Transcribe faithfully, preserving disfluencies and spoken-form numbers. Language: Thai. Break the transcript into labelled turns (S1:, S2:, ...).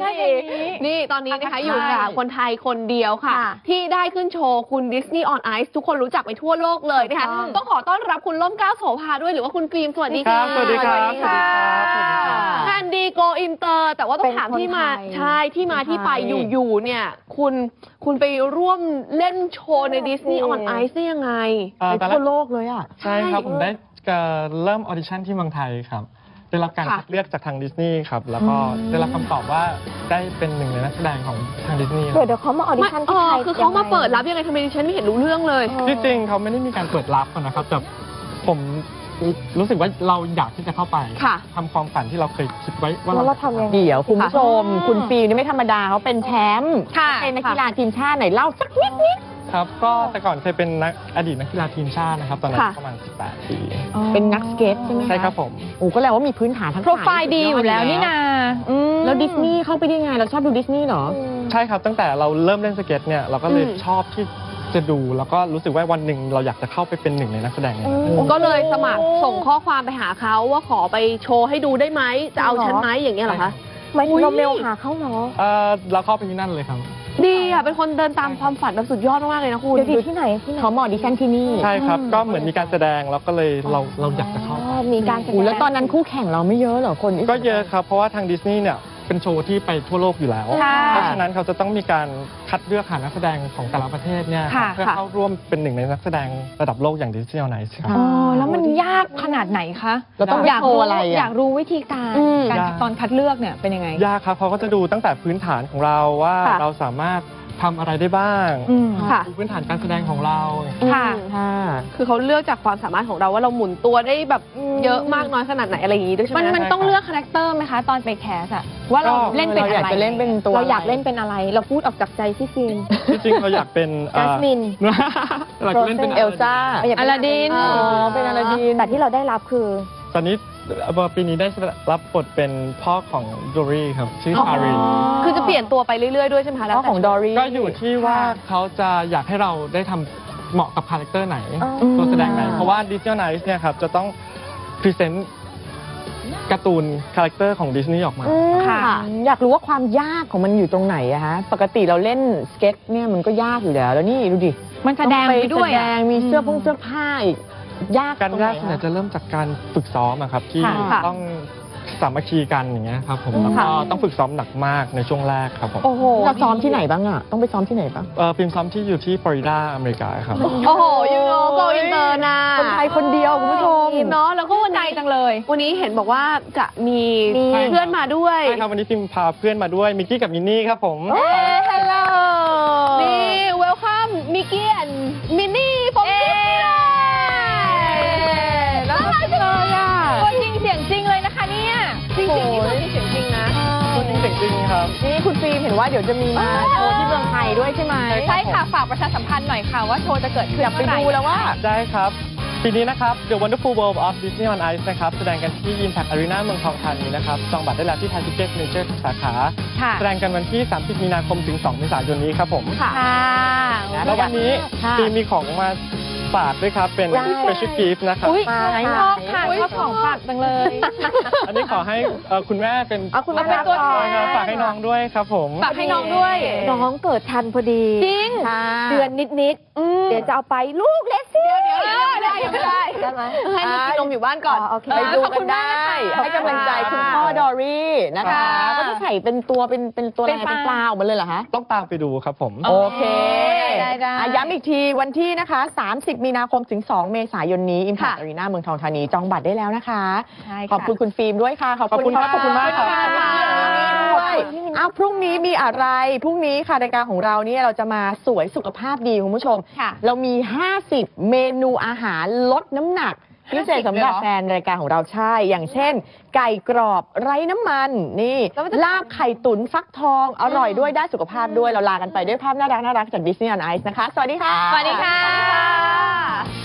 S1: นี่ตอนนี้นะคะอยู่กับคนไทยคนเดียวค่ะที่ได้ขึ้นโชว์คุณ Disney on Ice ทุกคนรู้จักไปทั่วโลกเลยนะคะต้องขอต้อนรับคุณล่มเกล้าโสภาด้วยหรือว่าคุณฟิล์มสวัสดีค่ะ
S2: สวัสดีครับ
S1: แคนดี้โกอินเตอร์แต่ว่าต้องถามที่มาใช่ที่มาที่ไปอยู่ๆเนี่ยคุณคุณไปร่วมเล่นโชว์ใน Disney on Ice ได้ยังไง
S2: ไปทั่วโลกเลยอ่ะใช่ครับผมได้เริ่มออดิชั่นที่เมืองไทยครับได้รับการคัดเลือกจากทางดิสนีย์ครับแล้วก็ได้รับคำตอบว่าได้เป็นหนึ่งในนักแสดงของทางดิสนีย์
S3: เดี๋ยวเดี๋ยวเขามาออดิชั่นที่ไทย
S1: คือเขามาเปิดรับยังไงทำไมดิฉันไม่เห็นรู้เรื่องเลย
S2: ที่จริงเขาไม่ได้มีการเปิดรับนะครับแต่ผมรู้สึกว่าเราอยากที่จะเข้าไปทำความฝันที่เราเคยคิดไว้ว่าเรา
S3: ทำยังไง
S4: เดี๋ยวคุณผู้ชมคุณฟิล์มนี่ไม่ธรรมดาเขาเป็นแชมป์เป็นนักกีฬาทีมชาติไหนเล่าสักนิดนิด
S2: ครับก็แต่ก่อนเคยเป็นนักอดีตนักกีฬาทีมชาตินะครับตอนนั้นประมาณสิบแปดปี
S4: เป็นนักสเก็ตใช่ไหม
S2: ใช่ครับผม
S4: โอ้ก็แปลว่ามีพื้นฐานทั้ง
S1: โปรไฟล์ดีอยู่แล้วนี่นา
S4: แล้วดิสนีย์เข้าไปได้ไงเราชอบดูดิสนีย์เหรอ
S2: ใช่ครับตั้งแต่เราเริ่มเล่นสเก็ตเนี่ยเราก็เลยชอบที่จะดูแล้วก็รู้สึกว่าวันหนึ่งเราอยากจะเข้าไปเป็นหนึ่งในนักแสดง
S1: ก็เลยสมัครส่งข้อความไปหาเขาว่าขอไปโชว์ให้ดูได้ไหมจะเอาฉันไหมอย่างเงี้ยเหรอคะ
S3: ไม่ถึงเราเมลหาเขาเหรอ
S2: เออเราเข้าไปที่นั่นเลยครับ
S1: ดีอ่ะเป็นคนเดินตามความฝันแบบสุดยอดมากเลยนะคุณ
S3: เดี๋ยวที่ไหนที่ไหน
S4: เขามาออดิชั่นที่นี่
S2: ใช่ครับก็เหมือนมีการแสดงแล้วก็เลยเราเราอยากจะเข้า
S3: มีการแสดง
S4: แล้วตอนนั้นคู่แข่งเราไม่เยอะเหรอคน
S2: ก็เยอะครับเพราะว่าทางดิสนีย์เนี่ยเป็นโชว์ที่ไปทั่วโลกอยู่แล้วเพราะฉะนั้นเขาจะต้องมีการคัดเลือกหานักแสดงของแต่ละประเทศเนี่ยเพื่อเข้าร่วมเป็นหนึ่งในนักแสดงระดับโลกอย่าง Disney on Ice ครับ
S1: อ๋อแล้วมันยากขนาดไหนคะ
S4: เราต้องอยากรู้อะไร
S1: อยากรู้วิธีการการตอนคัดเลือกเนี่ยเป็นยังไง
S2: ยากครับเขาก็จะดูตั้งแต่พื้นฐานของเราว่าเราสามารถทำอะไรได้บ้างดูพื้นฐานการแสดงของเรา
S1: ค่ะคือเขาเลือกจากความสามารถของเราว่าเราหมุนตัวได้แบบเยอะมากน้อยขนาดไหนอะไรอย่างนี้ด้วยใช่ไหมมันมันต้องเลือกคาแรคเตอร์ไหมคะตอนไปแคสอะว่าเราเล่นเป็นอะไร
S4: อยากจะเล่นเป็นตัว
S3: เราอยากเล่นเป็นอะไรเราพูดออกจากใจที่ฟิล์ม
S2: จริงๆเราอยากเป็น
S3: จัสมิน
S2: เราเล่นเป็น
S4: เอลซ่า
S1: อลาดิน
S4: อ๋อเป็นอลาดิน
S3: แต่ที่เราได้รับคือ
S2: ตอนนี้ปีนี้ได้รับบทเป็นพ่อของดอรี่ครับชื่อทารี
S1: คือจะเปลี่ยนตัวไปเรื่อยๆด้วยใช่ไหมคะ
S4: พ่อของดอรี่
S2: ก็อยู่ที่ว่าเขาจะอยากให้เราได้ทำเหมาะกับคาแรคเตอร์ไหนตัวแสดงไหนเพราะว่า Disney on Ice เนี่ยครับจะต้องพรีเซนต์การ์ตูนคาแรคเตอร์ของดิสนีย์ออกมา
S4: ค่ะอยากรู้ว่าความยากของมันอยู่ตรงไหนอะฮะปกติเราเล่นสเก็ตเนี่ยมันก็ยากอยู่แล้วแล้วนี่ดูดิ
S1: มันแสดงไปด้วย
S4: แสดงมีเสื้อผงเสื้อผ้าอีกยาก
S2: การยากเนี่ยจะเริ่มจากการฝึกซ้อมครับที่ต้องสามัคคีกันอย่างเงี้ยครับผมแล้วก็ต้องฝึกซ้อมหนักมากในช่วงแรกครับผม
S4: โอ้โหเราซ้อมที่ไหนบ้างอะต้องไปซ้อมที่ไหนบ้าง
S2: เออฟิล์มซ้อมที่อยู่ที่ฟลอริดาอเมริกาครับ
S1: โอ้โหยูโนโกอินเตอร์นะ
S4: คนไทยคนเดียวคุณผู้ชม
S1: เนาะแล้วก็วันใจจังเลยวันนี้เห็นบอกว่าจะมีเพื่อนมาด้วย
S2: ใช่ครับวันนี้ฟิล์มพาเพื่อนมาด้วยมิกกี้กับมินนี่ครับผม
S1: เฮ้ยฮัลโหลนี่เวลคัมมิกกี้และมินนี่ผมจริงๆนี่คือเสียงจริงนะ
S2: ตัวจริงเสียงจริงครับ
S4: นี่คุณฟิล์มเห็นว่าเดี๋ยวจะมีมาโชว์ที่เมืองไทยด้วยใช่ไหม
S1: ใช่ค่ะฝากประชาสัมพันธ์หน่อยค่ะว่าโชว์จะเกิดขึ้น
S4: อยากไปดูแล้วว่า
S2: ได้ครับปีนี้นะครับ The Wonderful World of Disney on Ice นะครับแสดงกันที่ Impact Arena เมืองทองธานีนะครับจองบัตรได้แล้วที่ไทยทิกเก็ตเมเจอร์ทุกสาขาแสดงกันวันที่สามสิบมีนาคมถึงสองเมษายนนี้ครับผม
S1: ค่ะ
S2: แล้ววันนี้ปีมีของมาฝากด้วยครับเป็น Special Gift นะครับ
S1: ชอบค่ะชอบของฝากจังเลย
S2: อันนี้ขอให้คุณแม่เป็น
S1: คุณแม่เป็นตัวแทน
S2: ฝากให้น้องด้วยครับผม
S1: ฝากให้น้องด้วย
S3: น้องเกิดทันพอดี
S1: จริง
S3: เดือนนิดๆเดี๋ยวจะเอาไปลูกเล็กสิ
S1: เดี๋ยวได้ไม่ได้ได้ไหมให้กินนมอยู่บ้านก่อน
S4: ไปดูกันได้ให้กำลังใจคุณพ่อดอรี่นะคะก็จะใส่เป็นตัวเป็นเป็นตัวอะไรเป็นปลาออกมาเลยเหรอคะ
S2: ต้องตามไปดูครับผม
S4: โอเคย้ำอีกทีวันที่นะคะสามสิบมีนาคมถึงสองเมษายนนี้ Impact Arena เมืองทองธานีจองบัตรได้แล้วนะคะขอบคุณคุณฟิล์มด้วยค่ะ
S2: ขอบคุณครับขอบคุณมากครับ
S4: อ้าวพรุ่งนี้มีอะไรพรุ่งนี้ค่ะรายการของเราเนี่ยเราจะมาสวยสุขภาพดีคุณผู้ชมเรามีห้าสิบเมนูอาหารลดน้ำหนักพิเศษสำหรับแฟนรายการของเราใช่อย่างเช่นไก่กรอบไร้น้ำมันนี่ลาบไข่ตุ๋นฟักทองอร่อยด้วยได้สุขภาพด้วยเราลากันไปด้วยภาพน่ารักน่ารักจาก Disney on Ice นะคะสวัสดีค่ะ
S1: สวัสดีค่ะ